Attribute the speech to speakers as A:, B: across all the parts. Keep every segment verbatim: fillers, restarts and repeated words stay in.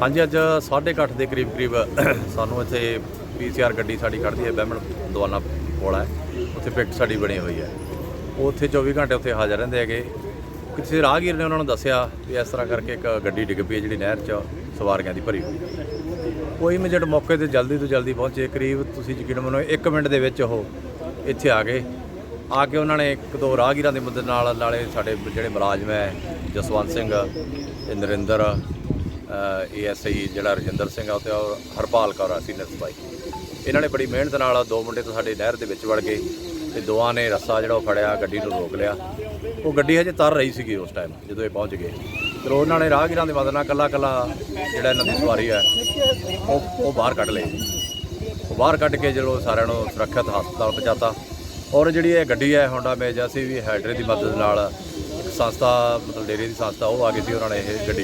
A: हाँ जी, अज साढ़े अठ के करीब करीब सानू इत्थे पी सी आर गड्डी साडी खड़दी है, बहमण दवाना पुल है, उत्थे पिट साडी बनी हुई है। उत्थे चौबी घंटे उत्थे हाज़र रहंदे हैगे। किसी राहगीर ने उन्होंने दस्सिया भी इस तरह करके एक गड्डी डिग पई है जिहड़ी नहर च सवारियां दी भरी हुई। वो इमीडिएट मौके ते जल्दी तो जल्दी पहुँचे। करीब तुसीं यकीन मनो एक मिनट दे विच ओह इत्थे आ गए। आके उन्होंने एक दो राहगीरां दी मदद नाल नाले साडे जिहड़े मुलाजम है जसवंत सिंह ते नरिंदर ए एस आई जिहड़ा रजिंदर सिंह है उत्ते और हरपाल कौर सीनियर सिपाही, इन्होंने बड़ी मेहनत नाल दो मुंडे तो साडे नहर दे विच वड़ गए ते दोवां ने रस्सा जिहड़ा फड़िया गड्डी नूं रोक लिया। वो गड्डी हजे तर रही सी उस टाइम जदों ये पहुँच गए। फिर उन्होंने राहगीरां दी मदद नाल कल्ला कल्ला जिहड़ा इन्हां दी सवारी है वो बाहर कढ लए। वो बाहर कढ के जो सारिਆਂ ਨੂੰ सुरक्षित हस्पताल पहुँचाता। और जी ये गड्डी है होंडा मेज असीं भी हैडरे की मदद नाल एक संस्था मतलब डेयरी की संस्था वो आ गई थी, उन्होंने ये गड्डी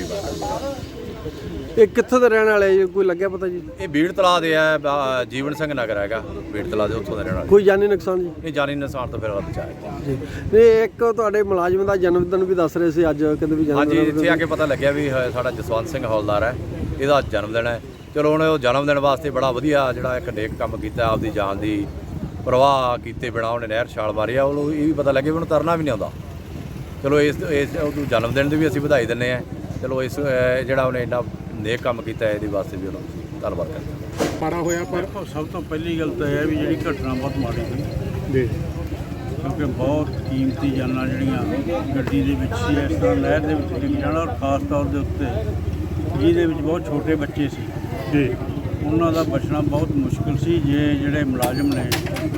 B: ये कित्थों दे रहने वाले कोई लग्या पता जी?
A: ये भीड़ तलाव दे है, जीवन सिंह नगर हैगा भीड़ तलाव दे, उत्थों दे रहने वाले।
B: कोई जानी नुकसान जी?
A: नहीं, जानी नुकसान तो फिर बचाया
B: जी। नहीं, एक तुहाडे मुलाजम दा जन्मदिन भी दस रहे सी अज, कहंदे भी
A: हाँ जी,
B: जन्मदिन
A: इत्थे आके पता लग्या भी साडा जसवंत सिंह हौलदार है, इहदा जन्मदिन है। चलो उन्हें वो जन्मदिन वास्ते बड़ा वधिया जिहड़ा एक नेक काम कीता, आपदी जान दी परवाह कीते बिना उन्हें नहर छाल मारी आ। ਉਹਨੂੰ ਇਹ ਵੀ ਪਤਾ ਲੱਗੇ ਵੀ ਉਹਨੂੰ ਤਰਨਾ ਵੀ ਨਹੀਂ ਆਉਂਦਾ। ਚਲੋ ਇਸ ਇਸ ਜਨਮ ਦਿਨ ਦੀ ਵੀ ਅਸੀਂ ਵਧਾਈ ਦਿੰਦੇ ਹਾਂ। ਚਲੋ ਇਸ ਜਿਹੜਾ ਉਹਨੇ ਇੰਨਾ ਨੇਕ ਕੰਮ ਕੀਤਾ ਇਹਦੇ ਵਾਸਤੇ ਵੀ ਉਹਨੂੰ ਧੰਨਵਾਦ ਕਰਦੇ ਹਾਂ।
C: ਮਾੜਾ ਹੋਇਆ ਪਰ ਸਭ ਤੋਂ ਪਹਿਲੀ ਗੱਲ ਤਾਂ ਇਹ ਹੈ ਵੀ ਜਿਹੜੀ ਘਟਨਾ ਬਹੁਤ ਮਾੜੀ ਹੋਈ ਜੀ, ਕਿਉਂਕਿ ਬਹੁਤ ਕੀਮਤੀ ਜਾਨਾਂ ਜਿਹੜੀਆਂ ਗੱਡੀ ਦੇ ਵਿੱਚ ਸੀ ਇਸ ਤਰ੍ਹਾਂ ਨਹਿਰ ਦੇ ਵਿੱਚ ਡਿੱਗ ਜਾਣਾ, ਔਰ ਖਾਸ ਤੌਰ ਦੇ ਉੱਤੇ ਜਿਹਦੇ ਵਿੱਚ ਬਹੁਤ ਛੋਟੇ ਬੱਚੇ ਸੀ ਜੀ, ਉਹਨਾਂ ਦਾ ਬਚਣਾ ਬਹੁਤ ਮੁਸ਼ਕਿਲ ਸੀ। ਜੇ ਜਿਹੜੇ ਮੁਲਾਜ਼ਮ ਨੇ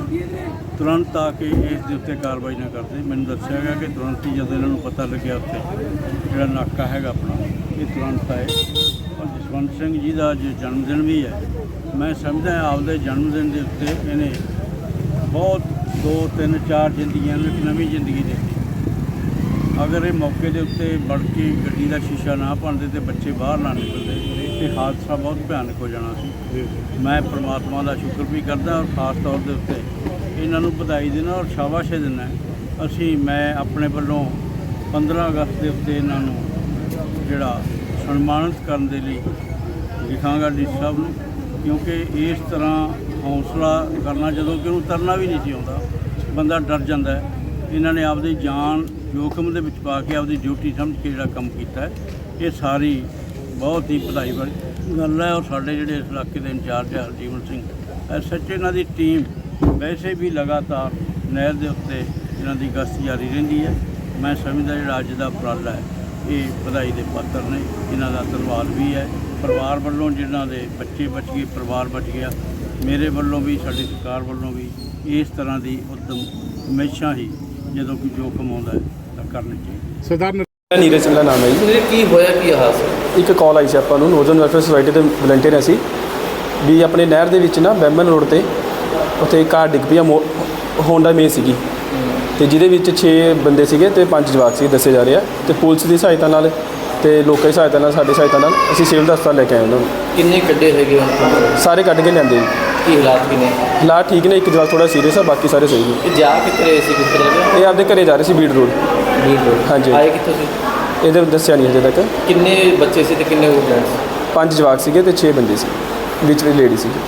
C: ਤੁਰੰਤ ਆ ਕੇ ਇਸ ਦੇ ਉੱਤੇ ਕਾਰਵਾਈ ਨਾ ਕਰਦੇ। ਮੈਨੂੰ ਦੱਸਿਆ ਗਿਆ ਕਿ ਤੁਰੰਤ ਹੀ ਜਦੋਂ ਇਹਨਾਂ ਨੂੰ ਪਤਾ ਲੱਗਿਆ ਉੱਥੇ ਜਿਹੜਾ ਨਾਕਾ ਹੈਗਾ ਆਪਣਾ, ਇਹ ਤੁਰੰਤ ਆਏ। ਔਰ ਜਸਵੰਤ ਸਿੰਘ ਜੀ ਦਾ ਅੱਜ ਜਨਮ ਦਿਨ ਵੀ ਹੈ। ਮੈਂ ਸਮਝਦਾ ਆਪਦੇ ਜਨਮ ਦਿਨ ਦੇ ਉੱਤੇ ਇਹਨੇ ਬਹੁਤ ਦੋ ਤਿੰਨ ਚਾਰ ਜ਼ਿੰਦਗੀਆਂ ਨੂੰ ਇੱਕ ਨਵੀਂ ਜ਼ਿੰਦਗੀ ਦਿੱਤੀ। ਅਗਰ ਇਹ ਮੌਕੇ ਦੇ ਉੱਤੇ ਵੜ ਕੇ ਗੱਡੀ ਦਾ ਸ਼ੀਸ਼ਾ ਨਾ ਭੰਨਦੇ ਤੇ ਬੱਚੇ ਬਾਹਰ ਨਾ ਨਿਕਲਦੇ ਤੇ ਹਾਦਸਾ ਬਹੁਤ ਭਿਆਨਕ ਹੋ ਜਾਣਾ ਸੀ। ਮੈਂ ਪਰਮਾਤਮਾ ਦਾ ਸ਼ੁਕਰ ਵੀ ਕਰਦਾ ਔਰ ਖਾਸ ਤੌਰ ਦੇ ਉੱਤੇ ਇਹਨਾਂ ਨੂੰ ਵਧਾਈ ਦੇਣਾ ਔਰ ਸ਼ਾਬਾਸ਼ ਦੇਣਾ। ਅਸੀਂ ਮੈਂ ਆਪਣੇ ਵੱਲੋਂ ਪੰਦਰਾਂ ਅਗਸਤ ਦੇ ਉੱਤੇ ਇਹਨਾਂ ਨੂੰ ਜਿਹੜਾ ਸਨਮਾਨਿਤ ਕਰਨ ਦੇ ਲਈ ਲਿਖਾਂਗਾ ਡੀ ਸਾਹਿਬ ਨੂੰ, ਕਿਉਂਕਿ ਇਸ ਤਰ੍ਹਾਂ ਹੌਸਲਾ ਕਰਨਾ ਜਦੋਂ ਕਿ ਉਹਨੂੰ ਤਰਨਾ ਵੀ ਨਹੀਂ ਸੀ ਆਉਂਦਾ, ਬੰਦਾ ਡਰ ਜਾਂਦਾ ਹੈ। ਇਹਨਾਂ ਨੇ ਆਪਦੀ ਜਾਨ ਜੋਖਮ ਦੇ ਵਿੱਚ ਪਾ ਕੇ ਆਪਦੀ ਡਿਊਟੀ ਸਮਝ ਕੇ ਜਿਹੜਾ ਕੰਮ ਕੀਤਾ ਹੈ, ਇਹ ਸਾਰੀ ਬਹੁਤ ਹੀ ਵਧਾਈ ਵਾਲੀ ਗੱਲ ਹੈ। ਔਰ ਸਾਡੇ ਜਿਹੜੇ ਇਸ ਇਲਾਕੇ ਦੇ ਇੰਚਾਰਜ ਹੈ ਜੀਵਨ ਸਿੰਘ ਐਸ ਐਚ ਇਹਨਾਂ ਦੀ ਟੀਮ ਵੈਸੇ ਵੀ ਲਗਾਤਾਰ ਨਹਿਰ ਦੇ ਉੱਤੇ ਇਹਨਾਂ ਦੀ ਗਸ਼ਤ ਜਾਰੀ ਰਹਿੰਦੀ ਹੈ। ਮੈਂ ਸਮਝਦਾ ਜਿਹੜਾ ਅੱਜ ਦਾ ਉਪਰਾਲਾ ਹੈ ਇਹ ਵਧਾਈ ਦੇ ਪਾਤਰ ਨੇ। ਇਹਨਾਂ ਦਾ ਧੰਨਵਾਦ ਵੀ ਹੈ ਪਰਿਵਾਰ ਵੱਲੋਂ, ਜਿਨ੍ਹਾਂ ਦੇ ਬੱਚੇ ਬਚ ਗਏ, ਪਰਿਵਾਰ ਬਚ ਗਿਆ। ਮੇਰੇ ਵੱਲੋਂ ਵੀ ਸਾਡੀ ਸਰਕਾਰ ਵੱਲੋਂ ਵੀ ਇਸ ਤਰ੍ਹਾਂ ਦੀ ਉਦਮ ਹਮੇਸ਼ਾ ਹੀ ਜਦੋਂ ਕੋਈ ਜੋਖਮ ਆਉਂਦਾ ਹੈ ਤਾਂ ਕਰਨੀ ਚਾਹੀਦੀ।
D: ਸਰਦਾਰ ਨੀਰਜ ਸਿੰਘ ਦਾ ਨਾਮ ਹੈ ਜੀ।
E: ਕੀ ਹੋਇਆ ਕੀ ਹਾਦਸਾ?
D: ਇੱਕ ਕਾਲ ਆਈ ਸੀ ਆਪਾਂ ਨੂੰ, ਨੋਰਦਰਨ ਵੈਲਫੇਅਰ ਸੁਸਾਇਟੀ ਦੇ ਵਲੰਟੀਅਰ ਅਸੀਂ ਵੀ ਆਪਣੇ ਨਹਿਰ ਦੇ ਵਿੱਚ ਨਾ ਬੈਂਬਨ ਰੋਡ 'ਤੇ ਉੱਥੇ ਕਾਰ ਡਿੱਗ ਪਈ ਆ, ਹੋਂਡਾ ਮੇ ਸੀਗੀ ਅਤੇ ਜਿਹਦੇ ਵਿੱਚ ਛੇ ਬੰਦੇ ਸੀਗੇ ਅਤੇ ਪੰਜ ਜਵਾਕ ਸੀ ਦੱਸੇ ਜਾ ਰਹੇ ਆ। ਅਤੇ ਪੁਲਿਸ ਦੀ ਸਹਾਇਤਾ ਨਾਲ ਅਤੇ ਲੋਕਾਂ ਦੀ ਸਹਾਇਤਾ ਨਾਲ ਸਾਡੀ ਸਹਾਇਤਾ ਨਾਲ ਅਸੀਂ ਸਿਵਲ ਹਸਪਤਾਲ ਲੈ ਕੇ ਆਏ ਉਹਨਾਂ ਨੂੰ।
E: ਕਿੰਨੇ ਕੱਢੇ ਹੈਗੇ ਹੁਣ?
D: ਸਾਰੇ ਕੱਢ ਕੇ ਲਿਆਂਦੇ ਜੀ।
E: ਕੀ ਹਾਲਾਤ ਕਿਨੇ?
D: ਹਾਲਾਤ ਠੀਕ ਨੇ, ਇੱਕ ਜਵਾਕ ਥੋੜ੍ਹਾ ਸੀਰੀਅਸ ਆ, ਬਾਕੀ ਸਾਰੇ ਸਹੀ ਨੇ।
E: ਇਹ ਜਾ ਕਿੱਥੇ ਰਹੇ ਸੀ, ਕਿੱਥੇ ਲੱਗੇ?
D: ਇਹ ਆਪਦੇ ਘਰੇ ਜਾ ਰਹੇ ਸੀ ਬੀੜ ਰੋਡ।
E: ਬੀੜ ਰੋਡ
D: ਹਾਂਜੀ।
E: ਆਏ ਕਿੱਥੋਂ ਸੀ?
D: ਇਹਦੇ ਦੱਸਿਆ ਨਹੀਂ ਹਜੇ ਤੱਕ।
E: ਕਿੰਨੇ ਬੱਚੇ ਸੀ ਤੇ ਕਿੰਨੇ ਉਹ ਜੈਂਟਸ?
D: ਪੰਜ ਜਵਾਕ ਸੀਗੇ ਅਤੇ ਛੇ ਬੰਦੇ ਸੀ, ਵਿੱਚ ਵੀ ਲੇਡੀ ਸੀਗੀ।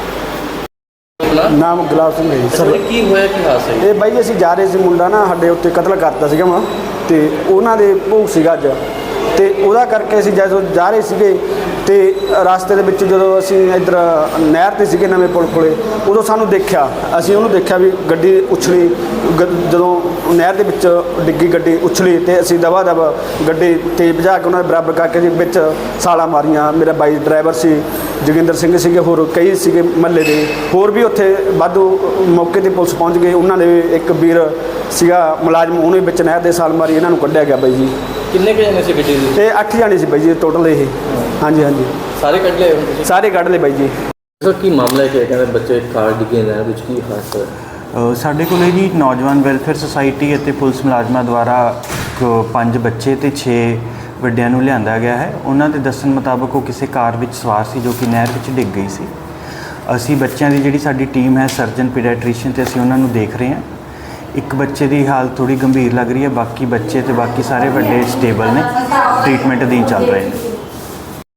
F: ਨਾਮ ਗੁਲਾਬ ਸਿੰਘ ਹੈ ਜੀ ਸਰ।
E: ਕੀ ਹੋਇਆ ਕੀ ਹਾਦਸਾ?
F: ਇਹ ਬਾਈ ਅਸੀਂ ਜਾ ਰਹੇ ਸੀ, ਮੁੰਡਾ ਨਾ ਸਾਡੇ ਉੱਤੇ ਕਤਲ ਕਰਤਾ ਸੀਗਾ ਵਾ, ਅਤੇ ਉਹਨਾਂ ਦੇ ਭੋਗ ਸੀਗਾ ਅੱਜ, ਅਤੇ ਉਹਦਾ ਕਰਕੇ ਅਸੀਂ ਜਦੋਂ ਜਾ ਰਹੇ ਸੀਗੇ ਅਤੇ ਰਸਤੇ ਦੇ ਵਿੱਚ ਜਦੋਂ ਅਸੀਂ ਇੱਧਰ ਨਹਿਰ 'ਤੇ ਸੀਗੇ ਨਵੇਂ ਪੁਲ ਕੋਲੇ, ਉਦੋਂ ਸਾਨੂੰ ਦੇਖਿਆ, ਅਸੀਂ ਉਹਨੂੰ ਦੇਖਿਆ ਵੀ ਗੱਡੀ ਉਛਲੀ। ਗ ਜਦੋਂ ਨਹਿਰ ਦੇ ਵਿੱਚ ਡਿੱਗੀ ਗੱਡੀ ਉਛਲੀ ਅਤੇ ਅਸੀਂ ਦਵਾ ਦਵ ਗੱਡੀ ਤੇਜ਼ ਭਜਾ ਕੇ ਉਹਨਾਂ ਦੇ ਬਰਾਬਰ ਕਰਕੇ ਜੀ ਵਿੱਚ ਛਾਲਾਂ ਮਾਰੀਆਂ। ਮੇਰਾ ਬਾਈ ਡਰਾਈਵਰ ਸੀ, ਜੋਗਿੰਦਰ ਸਿੰਘ ਸੀਗੇ, ਹੋਰ ਕਈ ਸੀਗੇ ਮਹੱਲੇ ਦੇ, ਹੋਰ ਵੀ ਉੱਥੇ ਵਾਧੂ ਮੌਕੇ 'ਤੇ ਪੁਲਿਸ ਪਹੁੰਚ ਗਈ। ਉਹਨਾਂ ਨੇ ਇੱਕ ਵੀਰ ਸੀਗਾ ਮੁਲਾਜ਼ਮ, ਉਹਨੇ ਵਿੱਚ ਨਹਿਰ ਦੇ ਛਾਲ ਮਾਰੀ, ਇਹਨਾਂ ਨੂੰ ਕੱਢਿਆ ਗਿਆ ਬਾਈ ਜੀ।
E: ਕਿੰਨੇ ਕੁ ਜਣੇ ਸੀ ਗੱਡੀ ਦੇ?
F: ਇਹ ਅੱਠ ਜਾਣੇ ਸੀ ਬਾਈ ਜੀ ਟੋਟਲ। ਇਹ ਹਾਂਜੀ ਹਾਂਜੀ
E: ਸਾਰੇ ਕੱਢ ਲਏ ਹੁਣ?
F: ਸਾਰੇ ਕੱਢ ਲਏ ਬਾਈ ਜੀ।
E: ਸਰ ਕੀ ਮਾਮਲਾ ਹੈ ਕਿ ਕਹਿੰਦੇ ਬੱਚੇ ਕਾਰ ਡਿੱਗੇ ਨਹਿਰ ਵਿੱਚ, ਕੀ ਹਾਦਸਾ ਹੋਇਆ?
G: ਸਾਡੇ ਕੋਲ ਜੀ ਨੌਜਵਾਨ ਵੈਲਫੇਅਰ ਸੁਸਾਇਟੀ ਅਤੇ ਪੁਲਿਸ ਮੁਲਾਜ਼ਮਾਂ ਦੁਆਰਾ ਪੰਜ ਬੱਚੇ ਅਤੇ ਛੇ ਵੱਡਿਆਂ ਨੂੰ ਲਿਆਂਦਾ ਗਿਆ ਹੈ। ਉਹਨਾਂ ਦੇ ਦੱਸਣ ਮੁਤਾਬਕ ਉਹ ਕਿਸੇ ਕਾਰ ਵਿੱਚ ਸਵਾਰ ਸੀ ਜੋ ਕਿ ਨਹਿਰ ਵਿੱਚ ਡਿੱਗ ਗਈ ਸੀ। ਅਸੀਂ ਬੱਚਿਆਂ ਦੀ ਜਿਹੜੀ ਸਾਡੀ ਟੀਮ ਹੈ ਸਰਜਨ ਪੀਡੀਆਟ੍ਰੀਸ਼ੀਅਨ ਅਤੇ ਅਸੀਂ ਉਹਨਾਂ ਨੂੰ ਦੇਖ ਰਹੇ ਹਾਂ। ਇੱਕ ਬੱਚੇ ਦੀ ਹਾਲਤ ਥੋੜ੍ਹੀ ਗੰਭੀਰ ਲੱਗ ਰਹੀ ਹੈ, ਬਾਕੀ ਬੱਚੇ ਅਤੇ ਬਾਕੀ ਸਾਰੇ ਵੱਡੇ ਸਟੇਬਲ ਨੇ, ਟ੍ਰੀਟਮੈਂਟ ਅਧੀਨ ਚੱਲ ਰਹੇ ਨੇ।